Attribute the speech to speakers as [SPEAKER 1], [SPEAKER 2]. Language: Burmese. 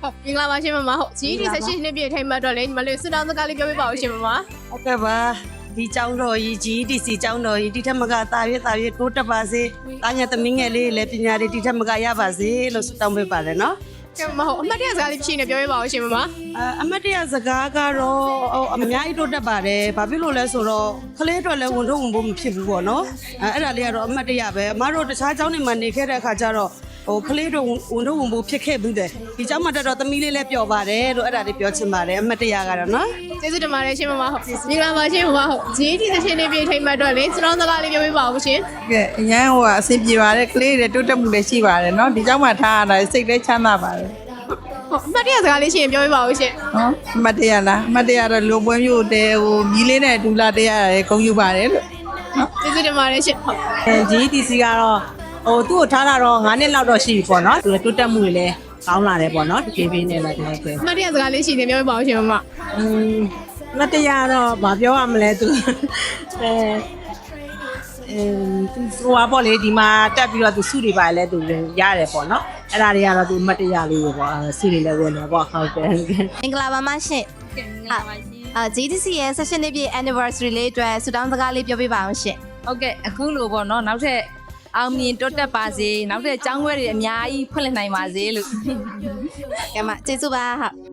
[SPEAKER 1] မင်္ဂလာပါရှင်မမဟုတ် GD 16နှစ်ပြည့်ထိုင်မှတော့လေညီမလေးစွတောင်းစကားလေးပြောပြပါဦးရှင်မမ
[SPEAKER 2] ဟုတ်ကဲ့ပါဒီကျောင်းတော်ကြီး GDC ကျောင်းတော်ကြီးဒီထက်မကတာရွေးတိုးတက်ပါစေတာညာသမီးငယ်လေးလည်းပညာတွေဒီထက်မကရပါစေလို့ဆုတောင်းပေးပါတယ်နော်
[SPEAKER 1] ကဲမဟုတ်အမှတ်တရစကားလေးဖြစ်နေပြောပြပါဦးရှင်မမ
[SPEAKER 2] အမတ်တရစကားကတော့အများကြီးတိုးတက်ပါတယ်ဘာဖြစ်လို့လဲဆိုတော့ကလေးတော်လည်းဝန်ထုတ်ဝန်ဖို့မဖြစ်ဘူးပေါ့နော်အဲ့ဒါလေးကတော့အမတ်တရပဲအမတို့တခြားကျောင်းတွေမှာနေခဲ့တဲ့အခါကျတော့ကလေးတော်ဝန်ထုတ်ဝန်ဖို့ဖြစ်ခဲ့ဘူးတယ်ဒီကျောင်းမှာတက်တော့သမီးလေးလည်းပျော်ပါတယ်လို့အဲ့ဒါလေးပြောချင်ပါတယ်အမတ်တရကတော့နော်
[SPEAKER 1] ကျေးဇူးတင်ပါတယ်ရှင်မမဟုတ်မင်္ဂလာပါရှင်မမဟုတ် GD 16နှစ်ပြည့်ထိုင်မှတော့လေစွတောင်းစကားလေးပြောပြပါဦးရှင်
[SPEAKER 3] ကဲအရန်အဆင်ပြေပါတယ်ကလေးတွေတိုးတက်မှုလည်းရှိပါတယ်เนาะဒီเจ้าမှာထားရတာစိတ်လည်းချမ်းသာပါတယ်
[SPEAKER 1] ဟုတ်အမှတ်တရစကားလေးရှင်ပြောပြပါဦးရှင်
[SPEAKER 3] နော်အမတ်တရလားအမတ်တရတော့လူပွဲမျိုးတဲမြီးလေးနဲ့ဒူလာတရားရယ်ဂုဏ်ယူပါတယ်လို့နော်
[SPEAKER 1] ကျေးဇူးတင်ပါတယ်ရှင်ဟုတ်
[SPEAKER 4] GDC ကတော့သူ့ကိုထားတာတော့9နှစ်လောက်တော့ရှိပြီပေါ့နော်သူတိုးတက်မှုတွေလည်းကောင်းလာတယ်ပေါ့နော်ဒီပြေးပြေးနဲ့လည်းဒီလိုပဲ
[SPEAKER 1] အမှတ်တရစကားလေးရှင်ပြောပြပါဦးရှင်မမ
[SPEAKER 4] မတရားတော့မပြောရမလဲသူသူဟိုပေါ့လေဒီမှာတက်ပြီးတော့သူစုတွေပါလဲသူရတယ်ပေါ့နော်အဲ့ဒါတွေကတော့သူမတရားလေးပဲပေါ့စုတွေလည်းဝင်တော့ပေါ့ဟုတ်တယ်
[SPEAKER 5] မင်္ဂလာပါမရှင်GDC ရဲ့16နှစ်ပြည့် anniversary လေးအတွက်ဆုတောင်းစကားလေးပြောပြပါအောင်ရှင်
[SPEAKER 6] ဟုတ်ကဲ့အခုလိုပေါ့နော်နောက်ထပ်အောင်မြင်တိုးတက်ပါစေနောက်ထပ်ကျောင်းခွဲတွေအများကြီးဖွင့်လှစ်နိုင်ပါစေလို့
[SPEAKER 5] ကဲမကျေးဇူးပါဟုတ်